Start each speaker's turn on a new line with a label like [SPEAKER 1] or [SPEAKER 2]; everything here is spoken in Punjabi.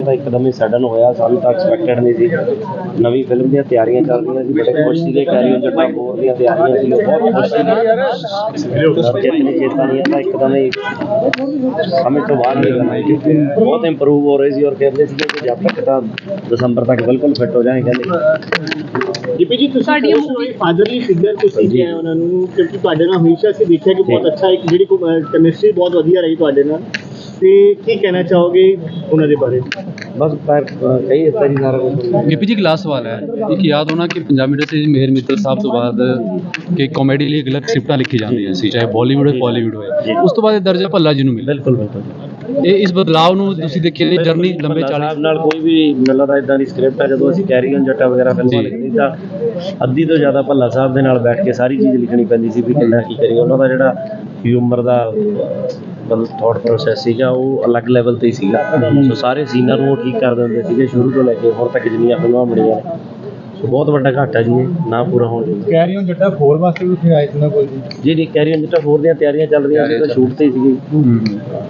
[SPEAKER 1] ਤਾਂ ਇੱਕਦਮ ਹੀ ਸਡਨ ਹੋਇਆ, ਸਾਨੂੰ ਤਾਂ ਐਕਸਪੈਕਟਡ ਨਹੀਂ ਸੀ। ਨਵੀਂ ਫਿਲਮ ਦੀਆਂ ਤਿਆਰੀਆਂ ਚੱਲ ਰਹੀਆਂ ਸੀ, ਬੜੇ ਖੁਸ਼ ਸੀਗੇ। ਕੈਰੀ ਔਨ ਜੱਟਾ 4 ਦੀਆਂ ਤਿਆਰੀਆਂ ਸੀ, ਉਹ ਬਹੁਤ ਖੁਸ਼ ਸੀਗੇ। ਜਿੱਤਨੀ ਚੇਤਾ ਨਹੀਂ ਤਾਂ ਇੱਕਦਮ ਹੀ ਸਮਝ ਤੋਂ ਬਾਹਰ ਨਹੀਂ ਕਰਨਾ, ਬਹੁਤ ਇੰਪਰੂਵ ਹੋ ਰਹੇ ਸੀ ਔਰ ਕਹਿੰਦੇ ਸੀਗੇ ਕਿ ਜਦ ਤੱਕ ਤਾਂ ਦਸੰਬਰ ਤੱਕ ਬਿਲਕੁਲ ਫਿੱਟ ਹੋ ਜਾਏ। ਕਹਿੰਦੇ
[SPEAKER 2] ਦੀਪੀ ਜੀ ਤੁਸੀਂ ਫਾਦਰਲੀ ਫਿਗਰ ਤੁਸੀਂ ਕਿਹਾ ਉਹਨਾਂ ਨੂੰ, ਕਿਉਂਕਿ ਤੁਹਾਡੇ ਨਾਲ ਹਮੇਸ਼ਾ ਅਸੀਂ ਦੇਖਿਆ ਕਿ ਬਹੁਤ ਅੱਛਾ ਇੱਕ ਜਿਹੜੀ ਕੈਮਿਸਟਰੀ ਬਹੁਤ ਵਧੀਆ ਰਹੀ ਤੁਹਾਡੇ ਨਾਲ, ਤੇ ਕੀ ਕਹਿਣਾ ਚਾਹੋਗੇ ਉਹਨਾਂ ਦੇ ਬਾਰੇ?
[SPEAKER 1] ਬਸ ਕਈ ਇਸ ਤਰ੍ਹਾਂ ਸਾਰਾ ਕੁਝ।
[SPEAKER 3] गिपी जी लास्ट सवाल है, एक याद होना कि पंजाबी इंडस्ट्री मेहर मित्तल साहब तो बाद कि कॉमेडी ਲਈ अलग ਸਕ੍ਰਿਪਟਾਂ ਲਿਖੀ ਜਾਂਦੀਆਂ ਸੀ, ਚਾਹੇ ਬਾਲੀਵੁੱਡ ਹੋਵੇ ਬਾਲੀਵੁੱਡ ਹੋਵੇ। ਉਸ ਤੋਂ ਬਾਅਦ ਇਹ ਦਰਜਾ ਭੱਲਾ ਜੀ ਨੂੰ ਮਿਲਿਆ।
[SPEAKER 1] ਬਿਲਕੁਲ ਬਿਲਕੁਲ।
[SPEAKER 3] ਇਹ ਇਸ ਬਦਲਾਅ ਨੂੰ ਤੁਸੀਂ ਦੇਖਿਆ, ਇਹ ਜਰਨੀ ਲੰਬੇ 40
[SPEAKER 1] ਨਾਲ ਕੋਈ ਵੀ ਮਿਲਦਾ ਤਾਂ ਇਦਾਂ ਦੀ ਸਕ੍ਰਿਪਟ ਹੈ। ਜਦੋਂ ਅਸੀਂ ਕੈਰੀ ਔਨ ਜੱਟਾ ਵਗੈਰਾ ਫਿਲਮਾਂ ਲਿਖਦੀ ਤਾਂ ਅੱਧੀ ਤੋਂ ਜ਼ਿਆਦਾ ਭੱਲਾ ਸਾਹਿਬ ਦੇ ਨਾਲ ਬੈਠ ਕੇ ਸਾਰੀ ਚੀਜ਼ ਲਿਖਣੀ ਪੈਂਦੀ ਸੀ ਵੀ ਕਿੰਨਾ ਕੀ ਕਰੀਏ। ਉਹਨਾਂ ਦਾ ਜਿਹੜਾ ਹਿਊਮਰ ਦਾ ਮਤਲਬ ਥੋਟ ਪ੍ਰੋਸੈਸ ਸੀਗਾ ਉਹ ਅਲੱਗ ਲੈਵਲ 'ਤੇ ਹੀ ਸੀਗਾ। ਸੋ ਸਾਰੇ ਸੀਨਾਂ ਨੂੰ ਉਹ ਠੀਕ ਕਰ ਦਿੰਦੇ ਸੀਗੇ ਸ਼ੁਰੂ ਤੋਂ ਲੈ ਕੇ ਹੁਣ ਤੱਕ ਜਿੰਨੀਆਂ ਫਿਲਮਾਂ ਬਣੀਆਂ ਨੇ। ਸੋ ਬਹੁਤ ਵੱਡਾ ਘਾਟਾ ਜੀ, ਇਹ ਨਾ ਪੂਰਾ ਹੋਣ ਦੀ।
[SPEAKER 4] ਕੈਰੀ ਔਨ ਜੱਟਾ 4 ਵਾਸਤੇ ਵੀ ਉੱਥੇ ਆਏ ਸੀ ਨਾ ਕੋਈ
[SPEAKER 1] ਜੀ ਕੈਰੀ ਔਨ ਜੱਟਾ 4 ਦੀਆਂ ਤਿਆਰੀਆਂ ਚੱਲ ਰਹੀਆਂ ਸੀ ਤਾਂ ਸ਼ੂਟ 'ਤੇ ਹੀ ਸੀਗੀ।